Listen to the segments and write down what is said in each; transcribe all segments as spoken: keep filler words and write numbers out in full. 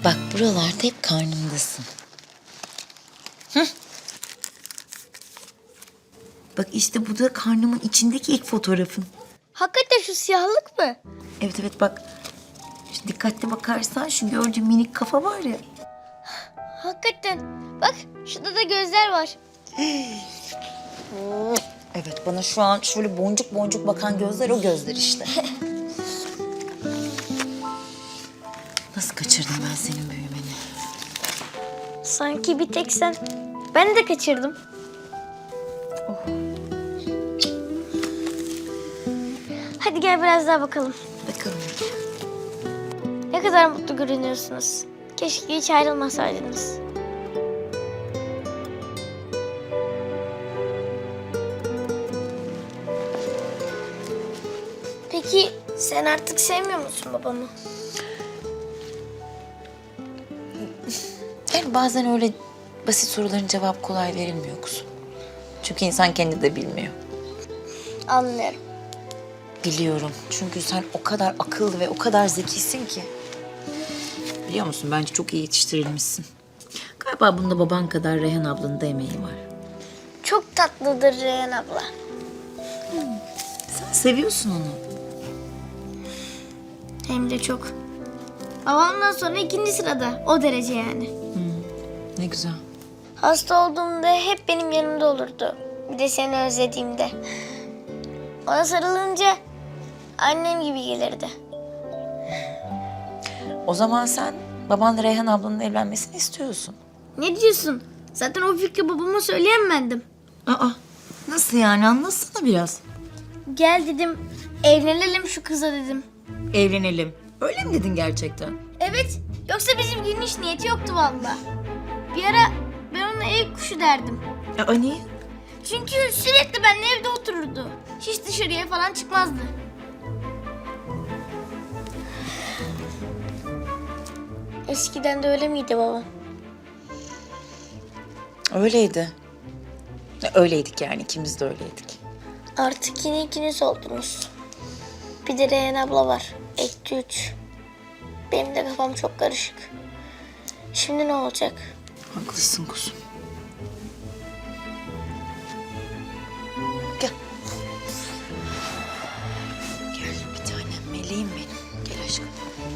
Bak buralarda hep karnımdasın. Hı? Bak işte bu da karnımın içindeki ilk fotoğrafın. Hakikaten şu siyahlık mı? Evet evet bak. Şu dikkatli bakarsan şu gördüğün minik kafa var ya. Hakikaten. Bak şurada da gözler var. Evet bana şu an şöyle boncuk boncuk bakan gözler o gözler işte. Nasıl kaçırdım ben senin büyümeni? Sanki bir tek sen. Ben de kaçırdım. Hadi gel biraz daha bakalım. Bakalım. Ne kadar mutlu görünüyorsunuz. Keşke hiç ayrılmasaydınız. Peki sen artık sevmiyor musun babamı? Yani bazen öyle basit soruların cevabı kolay verilmiyor kuzum. Çünkü insan kendi de bilmiyor. Anlıyorum. Biliyorum. Çünkü sen o kadar akıllı ve o kadar zekisin ki. Biliyor musun? Bence çok iyi yetiştirilmişsin. Galiba bunda baban kadar Reyhan ablanın da emeği var. Çok tatlıdır Reyhan abla. Sen seviyorsun onu. Hem de çok. Babamdan sonra ikinci sırada. O derece yani. Ne güzel. Hasta olduğumda hep benim yanımda olurdu. Bir de seni özlediğimde. Ona sarılınca annem gibi gelirdi. O zaman sen babanla Reyhan ablanın evlenmesini istiyorsun. Ne diyorsun? Zaten o fikri babama söyleyemedim. Aa, nasıl yani? Anlatsana biraz. Gel dedim, evlenelim şu kıza dedim. Evlenelim. Öyle mi dedin gerçekten? Evet, yoksa bizim gün hiç niyeti yoktu vallahi. Bir ara ben ona ev kuşu derdim. Aa, niye? Çünkü sürekli benimle evde otururdu. Hiç dışarıya falan çıkmazdı. Eskiden de öyle miydi baba? Öyleydi. Öyleydik yani. İkimiz de öyleydik. Artık yine ikiniz oldunuz. Bir de Reyhan abla var. Ekti üç. Benim de kafam çok karışık. Şimdi ne olacak? Haklısın kuzum. Gel. Gel bir tanem meleğim benim. Gel aşkım.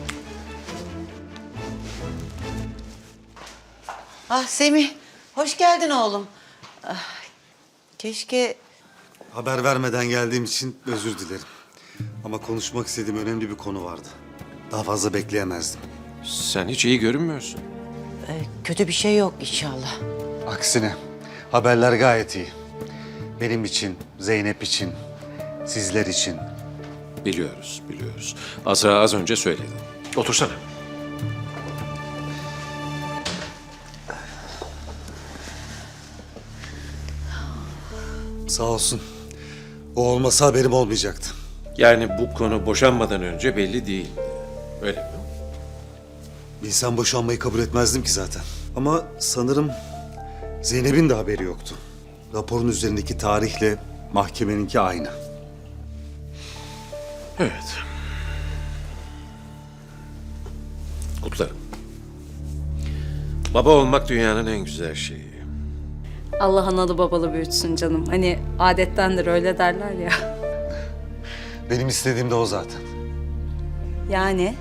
Ah Semih, hoş geldin oğlum. Ah, keşke... Haber vermeden geldiğim için özür dilerim. Ama konuşmak istediğim önemli bir konu vardı. Daha fazla bekleyemezdim. Sen hiç iyi görünmüyorsun. e, kötü bir şey yok inşallah. Aksine haberler gayet iyi. Benim için, Zeynep için, sizler için. Biliyoruz, biliyoruz. Azra az önce söyledi. Otursana. Sağ olsun. O olmasa haberim olmayacaktı. Yani bu konu boşanmadan önce belli değil. Öyle mi? Bilsem boşanmayı kabul etmezdim ki zaten. Ama sanırım Zeynep'in de haberi yoktu. Raporun üzerindeki tarihle mahkemeninki aynı. Evet. Kutlarım. Baba olmak dünyanın en güzel şeyi. Allah analı babalı büyütsün canım. Hani adettendir öyle derler ya. Benim istediğim de o zaten. Yani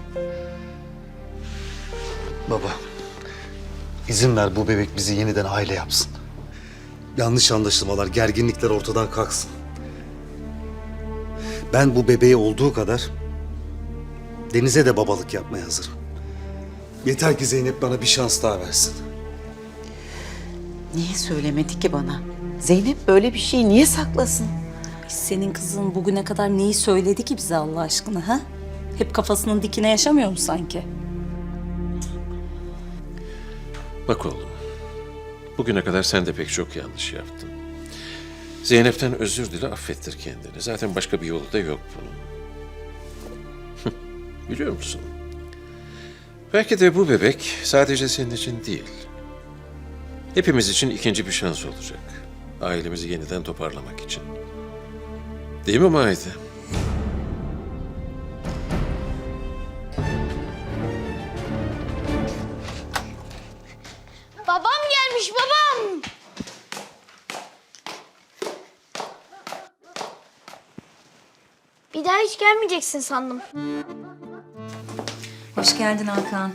Baba, izin ver bu bebek bizi yeniden aile yapsın. Yanlış anlaşılmalar, gerginlikler ortadan kalksın. Ben bu bebeğe olduğu kadar Deniz'e de babalık yapmaya hazırım. Yeter ki Zeynep bana bir şans daha versin. Niye söylemedi ki bana? Zeynep böyle bir şeyi niye saklasın? senin kızın bugüne kadar neyi söyledi ki bize Allah aşkına ha? Hep kafasının dikine yaşamıyor mu sanki? Bak oğlum. Bugüne kadar sen de pek çok yanlış yaptın. Zeynep'ten özür dile, affettir kendini. Zaten başka bir yolu da yok bunun. Biliyor musun? Belki de bu bebek sadece senin için değil. Hepimiz için ikinci bir şans olacak. Ailemizi yeniden toparlamak için. Değil mi Maide? Babam gelmiş babam. Bir daha hiç gelmeyeceksin sandım. Hoş geldin Hakan.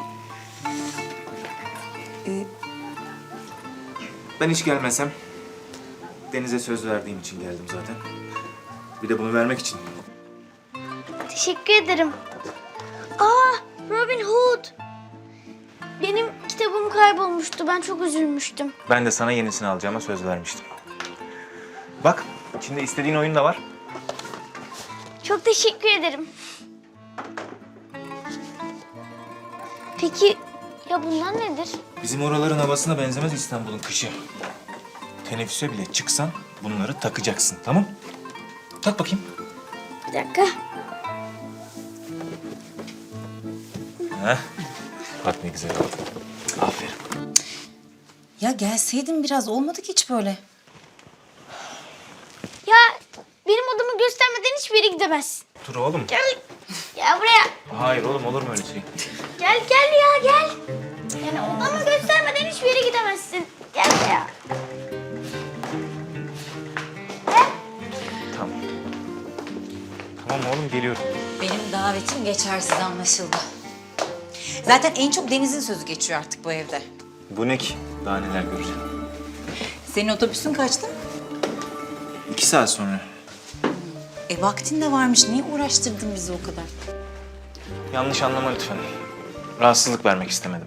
Ben hiç gelmesem Deniz'e söz verdiğim için geldim zaten. Bir de bunu vermek için. Teşekkür ederim. Aa, Robin Hood. Benim kitabım kaybolmuştu. Ben çok üzülmüştüm. Ben de sana yenisini alacağıma söz vermiştim. Bak, içinde istediğin oyun da var. Çok teşekkür ederim. Peki ya bunlar nedir? Bizim oraların havasına benzemez İstanbul'un kışı. Teneffüse bile çıksan bunları takacaksın, tamam? Tak bakayım. Bir dakika. Heh. Bak ne güzel oldu. Aferin. Ya gelseydin biraz, olmadı ki hiç böyle. Ya benim odamı göstermeden hiçbir yere gidemezsin. Dur oğlum. Gel. Gel buraya. Hayır oğlum, olur mu öyle şey? Gel gel ya gel. Yani odamı göstermeden hiçbir yere gidemezsin. Gel buraya. Tamam. Tamam oğlum, geliyorum. Benim davetim geçersiz anlaşıldı. Zaten en çok Deniz'in sözü geçiyor artık bu evde. Bu ne ki? Daha neler göreceğim. Senin otobüsün kaçtı? İki saat sonra. E vaktin de varmış. Niye uğraştırdın bizi o kadar? Yanlış anlama lütfen. Rahatsızlık vermek istemedim.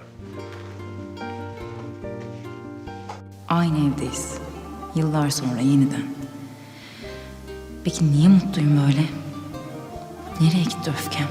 Aynı evdeyiz. Yıllar sonra yeniden. Peki niye mutluyum böyle? Nereye gitti öfkem?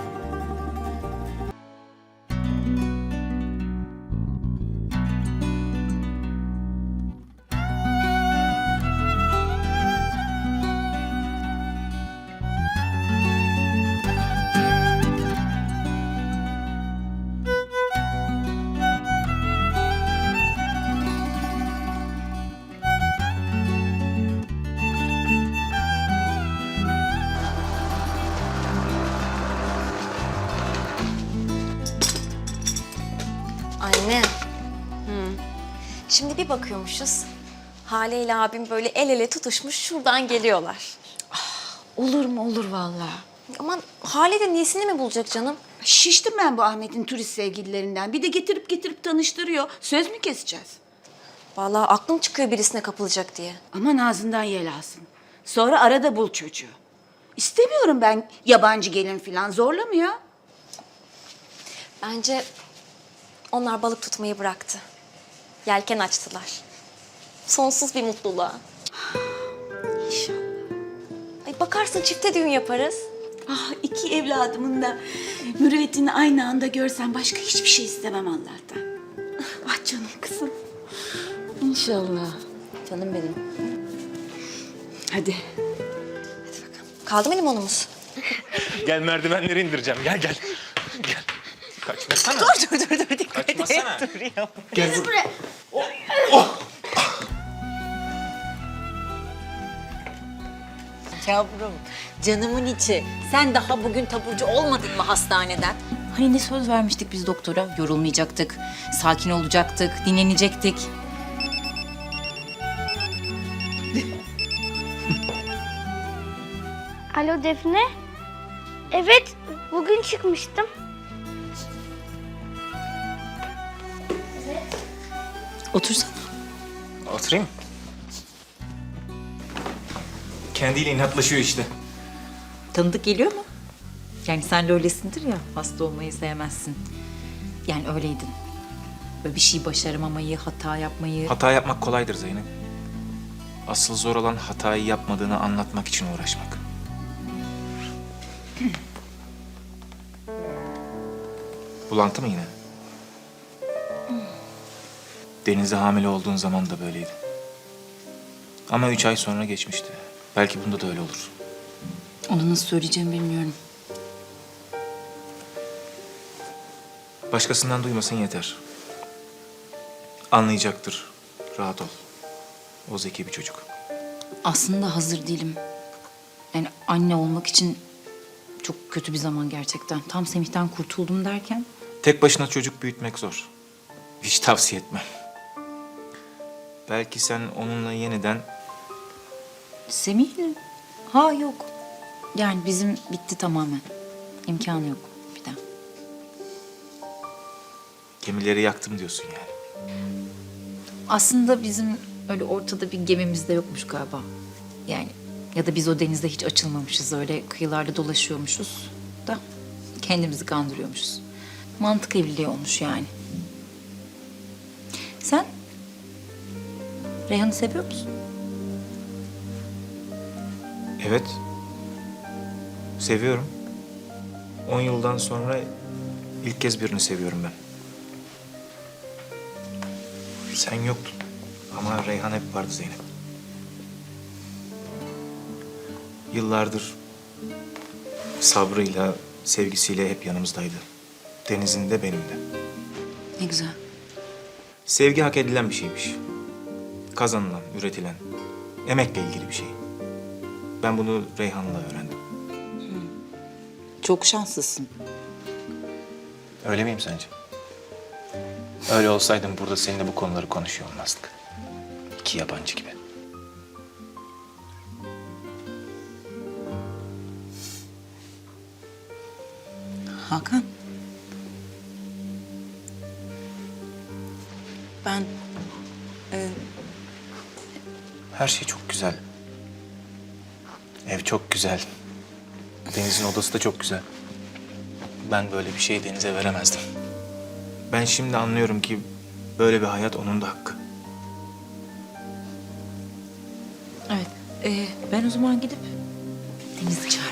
Anne. Şimdi bir bakıyormuşuz. Hale ile abim böyle el ele tutuşmuş şuradan geliyorlar. Olur mu olur vallahi. Aman Hale de niyesini mi bulacak canım? Şiştim ben bu Ahmet'in turist sevgililerinden. Bir de getirip getirip tanıştırıyor. Söz mü keseceğiz? Vallahi aklım çıkıyor birisine kapılacak diye. Aman ağzından yel alsın. Sonra arada bul çocuğu. İstemiyorum ben yabancı gelin falan, zorlama ya. Bence onlar balık tutmayı bıraktı. Yelken açtılar. Sonsuz bir mutluluğa. İnşallah. Ay bakarsın çifte düğün yaparız. Ah, iki evladımın da mürüvvetini aynı anda görsem başka hiçbir şey istemem Allah'tan. Ah canım kızım. İnşallah. Canım benim. Hadi. Kaldı mı limonumuz? Gel, merdivenleri indireceğim. Gel gel. Gel. Kaçmasana. Dur dur dur dur dikkat et. Kaçmasana. Dur ya. Gel buraya. Yavrum, canımın içi. Sen daha bugün taburcu olmadın mı hastaneden? Hani ne söz vermiştik biz doktora? Yorulmayacaktık, sakin olacaktık, dinlenecektik. Alo Defne. Evet, bugün çıkmıştım. Otursana. Oturayım. Kendiyle inatlaşıyor işte. Tanıdık geliyor mu? Yani sen de öylesindir ya, hasta olmayı sevmezsin. Yani öyleydin. Böyle bir şey başaramamayı, hata yapmayı... Hata yapmak kolaydır Zeynep. Asıl zor olan hatayı yapmadığını anlatmak için uğraşmak. Bulantı mı yine? Deniz'e hamile olduğun zaman da böyleydi. Ama üç ay sonra geçmişti. Belki bunda da öyle olur. Onu nasıl söyleyeceğimi bilmiyorum. Başkasından duymasın yeter. Anlayacaktır. Rahat ol. O zeki bir çocuk. Aslında hazır değilim. Yani anne olmak için çok kötü bir zaman gerçekten. Tam Semih'ten kurtuldum derken... Tek başına çocuk büyütmek zor. Hiç tavsiye etmem. Belki sen onunla yeniden Semih'le? Ha yok. Yani bizim bitti tamamen. İmkanı yok bir daha. gemileri yaktım diyorsun yani. Aslında bizim öyle ortada bir gemimiz de yokmuş galiba. Yani ya da biz o denizde hiç açılmamışız. Öyle kıyılarda dolaşıyormuşuz da kendimizi kandırıyormuşuz. Mantık evliliği olmuş yani. Sen Reyhan'ı seviyor musun? Evet. Seviyorum. On yıldan sonra ilk kez birini seviyorum ben. Sen yoktun. Ama Reyhan hep vardı Zeynep. Yıllardır sabrıyla, sevgisiyle hep yanımızdaydı. Deniz'in de benim de. Ne güzel. Sevgi hak edilen bir şeymiş. Kazanılan, üretilen, emekle ilgili bir şey. Ben bunu Reyhan'la öğrendim. Çok şanslısın. Öyle miyim sence? Öyle olsaydım burada seninle bu konuları konuşuyor olmazdık. İki yabancı gibi. Hakan. Ben e, Her şey çok güzel. Ev çok güzel. Deniz'in odası da çok güzel. Ben böyle bir şeyi Deniz'e veremezdim. Ben şimdi anlıyorum ki böyle bir hayat onun da hakkı. Evet. Ee, ben o zaman gidip Deniz'i çağırayım.